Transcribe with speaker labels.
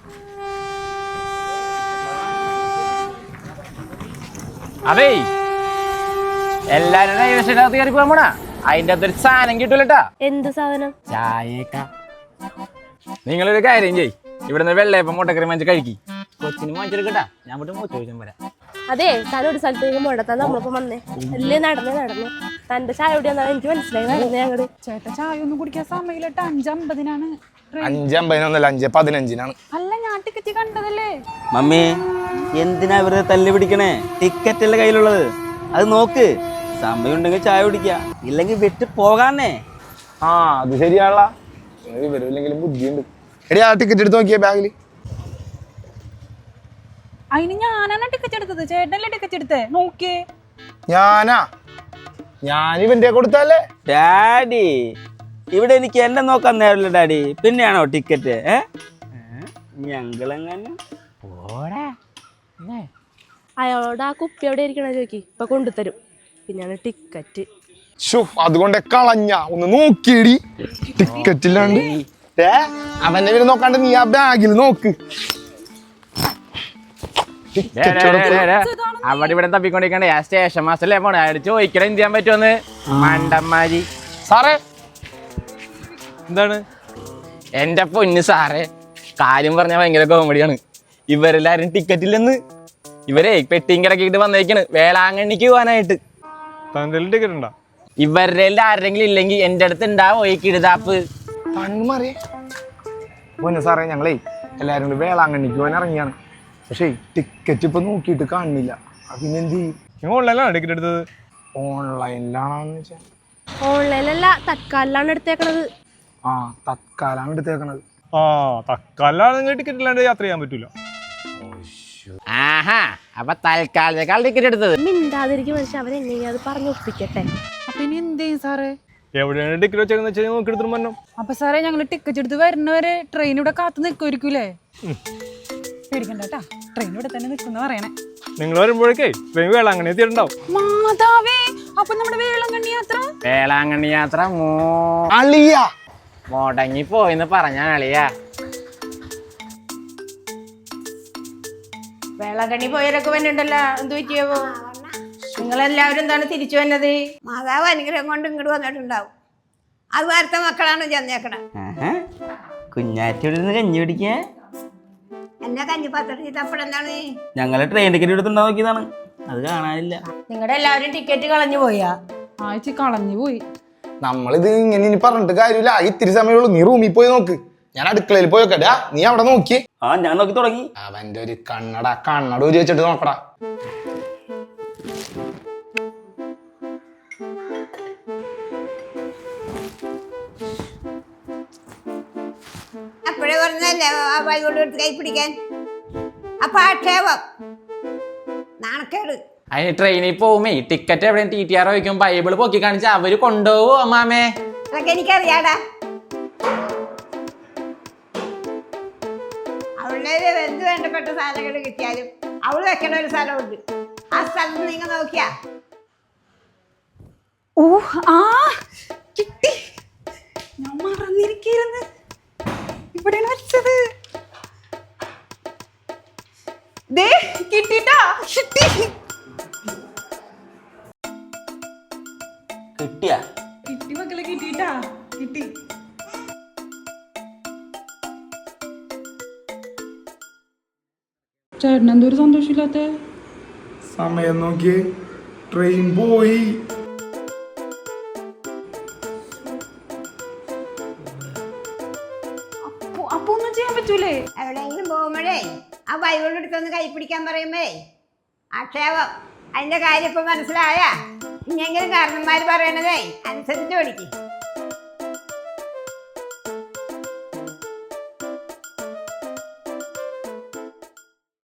Speaker 1: അതേ എല്ലാരും റെയിൽവേസ്റ്റേഷനകത്ത് കയറി പോകാൻ പോണാ. അതിന്റെ അകത്തൊരു സാധനം കിട്ടൂലട്ടാ.
Speaker 2: എന്ത് സാധനം?
Speaker 1: ചായക്ക. നിങ്ങളൊരു കാര്യം ചെയ്, ഇവിടുന്ന് വെള്ളയപ്പം മുട്ടക്കറി വാങ്ങിച്ച് കഴിക്കി. കൊച്ചിന് വാങ്ങിച്ചെടുക്കട്ടാ, ഞാൻ പോയിട്ട് മൂത്ത് ചോദിച്ചാൽ വരാം.
Speaker 2: അതെ, താൻ ഒരു സ്ഥലത്തേക്ക് മുടത്താൻ നമ്മളിപ്പോ വന്നേ അല്ലേ? നടന്നു തന്റെ ചായ എവിടെയാണെന്നാണ് എനിക്ക് മനസ്സിലായി. നടന്നേ ഞങ്ങള്.
Speaker 3: ചേട്ടാ ചായ ഒന്നും കുടിക്കാൻ സമയമില്ലട്ടോ. 5:50
Speaker 4: 5:50 5:15
Speaker 3: അല്ല, ഞാൻ ടിക്കറ്റ് കണ്ടതല്ലേ.
Speaker 5: മമ്മി എന്തിനാ വെറുതെ തല്ലി പിടിക്കണേ? ടിക്കറ്റ് അല്ലേ കയ്യിലുള്ളത്, അത് നോക്ക്. സമയം ഉണ്ടെങ്കിൽ ചായ കുടിക്കുക, ഇല്ലെങ്കിൽ വിട്ട് പോകാന്നേ.
Speaker 4: ആ അത് ശരിയാണല്ല, ഇവരില്ലെങ്കിലും ബുദ്ധിയുണ്ട്. എടി ആ ടിക്കറ്റ് എടുത്ത് നോക്കിയേ ബാഗില്.
Speaker 3: അതിന് ഞാനാണ് ടിക്കറ്റ് എടുത്തത്, ചേട്ടനല്ലേ ടിക്കറ്റ് എടുത്തേ? നോക്കിയേ.
Speaker 4: ഞാൻ ഇവന്റെ കൊടുത്തല്ലേ.
Speaker 5: ഡാഡി, ഇവിടെ എനിക്ക് എന്നെ നോക്കാൻ നേരമില്ല ഡാഡി, പിന്നെയാണോ ടിക്കറ്റ്? ഞങ്ങളെങ്ങനെ
Speaker 2: അയാളോട് ആ കുപ്പി എവിടെ ഇരിക്കണ ചോദിക്കി, ഇപ്പൊ കൊണ്ടുതരും. പിന്നെയാണ് ടിക്കറ്റ്.
Speaker 4: അതുകൊണ്ട് കളഞ്ഞ ഒന്ന് നോക്കിയടി ടിക്കറ്റ് ഇല്ലാണ്ട്. അവന്റെ പേര് നോക്കാണ്ട് നീ ആ ബാഗിൽ നോക്ക്.
Speaker 1: അവിടെ ഇവിടെ തപ്പിക്കൊണ്ടിരിക്കണ്ടേ, ആ സ്റ്റേഷൻ മാസ്റ്ററല്ലേ പോണേ. അയാൾ ചോദിക്കണം എന്ത് ചെയ്യാൻ പറ്റുമെന്ന്. മണ്ടന്മാരി.
Speaker 4: സാറേ
Speaker 1: എന്താണ്? എന്റെ പൊന്ന് സാറേ, കാര്യം പറഞ്ഞാൽ ഭയങ്കര കോമഡിയാണ്. ഇവരെല്ലാരും ടിക്കറ്റ് ഇല്ലെന്ന്. ഇവരെ പെട്ടിയും കിടക്കിട്ട് വന്നേക്കാണ് വേളാങ്കണ്ണിക്ക് പോകാനായിട്ട്.
Speaker 4: ടിക്കറ്റ് ഉണ്ടോ?
Speaker 1: ഇവരുടെ ആരെങ്കിലും ഇല്ലെങ്കിൽ എന്റെ അടുത്ത് ഉണ്ടാവോ ഈ കിടുതാപ്പ്?
Speaker 4: പൊന്നു സാറേ, ഞങ്ങളേ എല്ലാരും കൂടി വേളാങ്കണ്ണിക്ക് പോകാൻ ഇറങ്ങിയാണ്. പക്ഷേ ടിക്കറ്റ് ഇപ്പൊ നോക്കിയിട്ട് കാണുന്നില്ല. പിന്നെന്ത് ചെയ്യും?
Speaker 6: ഓൺലൈനിലാണ് ടിക്കറ്റ് എടുത്തത്.
Speaker 4: ഓൺലൈനിലാണെന്ന് വെച്ചാൽ
Speaker 2: ഓൺലൈനിലല്ല, തത്കാലിലാണ് എടുത്തേക്കണത്.
Speaker 4: ആ തത്കാലാണ് എടുത്തേക്കണത്.
Speaker 6: ആ തക്കാലാണ് നിങ്ങൾ ടിക്കറ്റ് ഇല്ലാണ്ട് യാത്ര ചെയ്യാൻ പറ്റൂല.
Speaker 1: ആഹാ, അപ്പൊ തൽക്കാലത്തേക്കാൾ ടിക്കറ്റ് എടുത്തത്.
Speaker 2: മിണ്ടാതിരിക്കും മനുഷ്യൻ, അവരെങ്ങനെയാ അത് പറഞ്ഞൊപ്പിക്കട്ടെ.
Speaker 3: അപ്പൊ ഇനി എന്ത് ചെയ്യും സാറേ?
Speaker 6: എവിടെയാണ് ടിക്കറ്റ് വെച്ചേന്ന് വെച്ചാൽ നോക്കി എടുത്തിട്ട് പറഞ്ഞു.
Speaker 3: അപ്പൊ സാറേ, ഞങ്ങള് ടിക്കറ്റ് എടുത്ത് വരുന്നവരെ ട്രെയിൻ ഇവിടെ കാത്തു നിൽക്കുമായിരിക്കൂലേ? പേടിക്കണ്ട കേട്ടാ, ട്രെയിൻ ഇവിടെ തന്നെ നിൽക്കുന്ന പറയണേ.
Speaker 6: നിങ്ങൾ വരുമ്പോഴേക്കേ ട്രെയിൻ വേളാങ്കണ്ണി എത്തിയിട്ടുണ്ടാവും.
Speaker 3: മാതാവേ, അപ്പൊ നമ്മുടെ വേളാങ്കണ്ണി യാത്ര
Speaker 1: വേളാങ്കണ്ണി യാത്ര മുടങ്ങി പോയിന്ന് പറഞ്ഞ അളിയാ.
Speaker 7: വേളാങ്കണ്ണി പോയവരൊക്കെ വന്നിട്ടുണ്ടല്ലോ, എന്ത് പറ്റിയാവോ? നിങ്ങളെല്ലാവരും എന്താണ് തിരിച്ചു വന്നത്?
Speaker 8: മാതാവ് അനുഗ്രഹം കൊണ്ട് ഇങ്ങോട്ട് വന്നിട്ടുണ്ടാവും. അത് വാർത്ത മക്കളാണ് ചെന്നേക്കണം.
Speaker 5: കുഞ്ഞാറ്റോട് കഞ്ഞി പിടിക്കേ.
Speaker 8: എന്നെ കഞ്ഞിപ്പാത്രം ചെയ്തപ്പോഴെന്താണ്?
Speaker 5: ഞങ്ങള് ട്രെയിൻ ടിക്കറ്റ് എടുത്തുണ്ടോ നോക്കിയതാണ്, അത് കാണാനില്ല.
Speaker 7: നിങ്ങളുടെ എല്ലാവരും ടിക്കറ്റ് കളഞ്ഞു പോയാ?
Speaker 3: ആഴ്ച കളഞ്ഞു പോയി.
Speaker 4: നമ്മളിത് ഇങ്ങനെ ഇനി പറഞ്ഞിട്ട് കാര്യമില്ല. ഇത്തിരി സമയമുള്ളൂ, നീ റൂമിൽ പോയി നോക്ക്. ഞാൻ അടുക്കളയിൽ പോയോക്കടാ, നീ അവിടെ നോക്കിയേ.
Speaker 5: ഞാൻ നോക്കി തുടങ്ങി.
Speaker 4: അവന്റെ ഒരു കണ്ണട ഊരി വെച്ചിട്ട് നോക്കടാ.
Speaker 8: അപ്പോഴേ പറഞ്ഞല്ലേ ആ ബൈബിൾ എടുത്ത് കൈ പിടിക്കാൻ. അപ്പൊ ആക്ഷേപം, നാണക്കേട്.
Speaker 1: അതിന് ട്രെയിനിൽ പോകുമ്പേ ടിക്കറ്റ് എവിടെയും TTR വയ്ക്കും, ബൈബിള് പൊക്കി കാണിച്ച അവര് കൊണ്ടുപോവോ അമ്മാമേ?
Speaker 8: അതൊക്കെ എനിക്കറിയാടാ. അവളുടെ എന്ത് വേണ്ടപ്പെട്ട സാധനങ്ങൾ കിട്ടിയാലും അവള് വെക്കണ ഒരു സ്ഥലമുണ്ട്. ആ സ്ഥലത്ത് നിങ്ങൾ നോക്കിയാ
Speaker 3: കിട്ടി. ഞാൻ മറന്നിരിക്കുന്നു, ഇവിടെയാണ് വെച്ചത്. കിട്ടിട്ടാ, കിട്ടി.
Speaker 5: കിട്ടിയാ?
Speaker 3: കിട്ടി മക്കളെ, കിട്ടിട്ടാ, കിട്ടി. ചേട്ടൻ എന്തൊരു സന്തോഷമില്ലാത്ത?
Speaker 4: സമയം നോക്കിയേ, ട്രെയിൻ പോയി.
Speaker 3: അപ്പൊ ഒന്നും ചെയ്യാൻ പറ്റൂലേ?
Speaker 8: എവിടെയെങ്കിലും പോകുമ്പോഴേ ആ ബൈബിൾ എടുത്തൊന്ന് കൈ പിടിക്കാൻ പറയുമ്പേ ആക്ഷേപം. അതിന്റെ കാര്യം ഇപ്പൊ മനസ്സിലായ? ഇനിയെങ്കിലും കാരണന്മാര് പറയണതേ അനുസരിച്ച് പഠിക്കും.